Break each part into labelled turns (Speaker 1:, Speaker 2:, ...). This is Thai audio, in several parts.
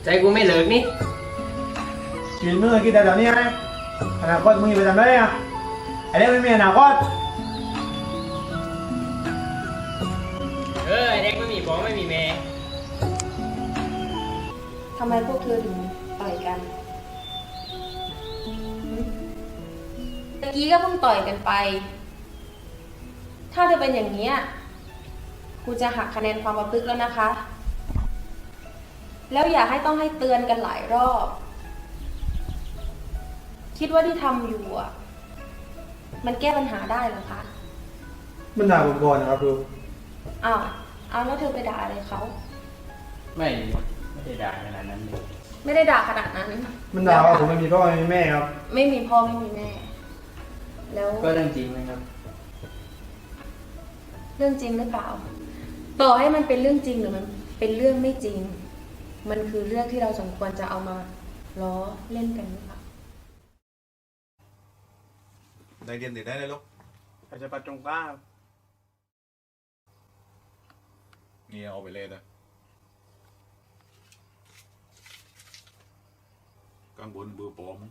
Speaker 1: ใจกูไม่เลิกนี่
Speaker 2: กินมือกินแต่เดี๋ยวนี้ไงอนาคตมึงอยู่ไปทำได้อะไอ้เด็กไม่มีอนาคต
Speaker 1: ไอเด็กไม่มีพ่อไม่มีแม่
Speaker 3: ทำไมพวกเธอถึงต่อยกันตะกี้ก็เพิ่งต่อยกันไป ถ้าเธอเป็นอย่างนี้ครูจะหักคะแนนความประพฤติแล้วนะคะ แล้วอย่าให้ต้องให้เตือนกันหลายรอบ คิดว่าที่ทำอยู่มันแก้ปัญหาได้เหรอคะ
Speaker 2: มันด่าผมก่อนนะครับครู
Speaker 3: อ้าวแล้วเธอไปด่าอะไรเขา
Speaker 1: ไม่ได้ด่าขนาดนั้นเลย
Speaker 3: ไม่ได้ด่าขนาดนั้น
Speaker 2: มันด่าว่าผมไม่มีพ่อไม่มีแม่ครับ
Speaker 3: ไม่มีพ่อไม่มีแม่ แล้ว
Speaker 1: ก็เรื่องจริงไหมครับ
Speaker 3: เรื่องจริงหรือเปล่า ต่อให้มันเป็นเรื่องจริงหรือมันเป็นเรื่องไม่จริง มันคือเรื่องที่เราสมควรจะเอามาล้อเล่นกันหรือเปล่า
Speaker 4: ได้เรียนติดได้เลยลูก
Speaker 2: อาจจะปัดตรงกล้า
Speaker 4: นี่เอาไปเลยนะกังวลเบอร์ปลอม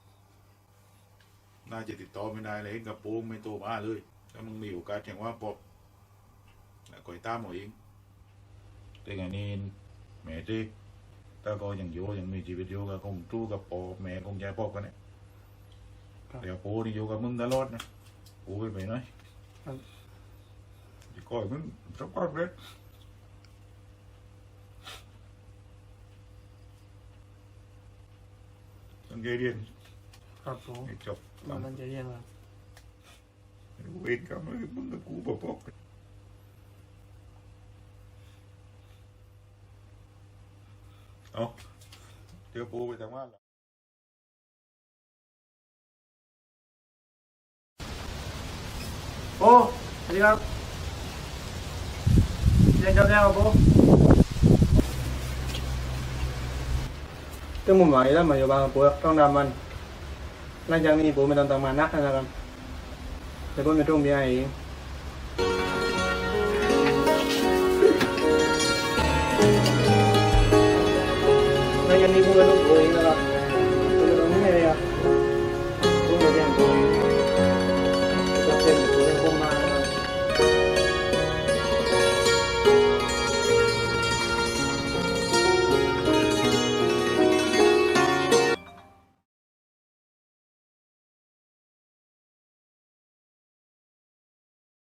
Speaker 4: น่าจะติดต่อไม่ได้เลยกับโป้งไม่โตมาเลยถ้ามึงมีโอกาสอย่างว่าปอบแล้วก็ตามเอาเองแต่ไงนี่แม่เจ๊ถ้าก็ยังอยู่ยังมีชีวิตอยู่ก็คงจู้กับปอบแม่คงใจปอบกันเนี่ยเดี๋ยวโป้นี่อยู่กับมึงตลอดนะโป้ไปหน่อยจะก่อยมึงสักพักเลยตั้งใจเรียน
Speaker 2: ครับผม
Speaker 4: ให้จบ
Speaker 2: มันจะเรียนครับ
Speaker 4: เวรกรรมเลยมึงกับกูปอกเอาเดี๋ยวปูไปทางบ้านละ
Speaker 2: โอ้สวัสดีครับเรียนจบแล้วครับผมตึงมุมหมายแล้วมาอยู่บางปูต้องทำมันหลังจากนี้ปูไม่ต้องทำงานนักนะครับเดี๋ยวผมจะต้องมีอะไรเอง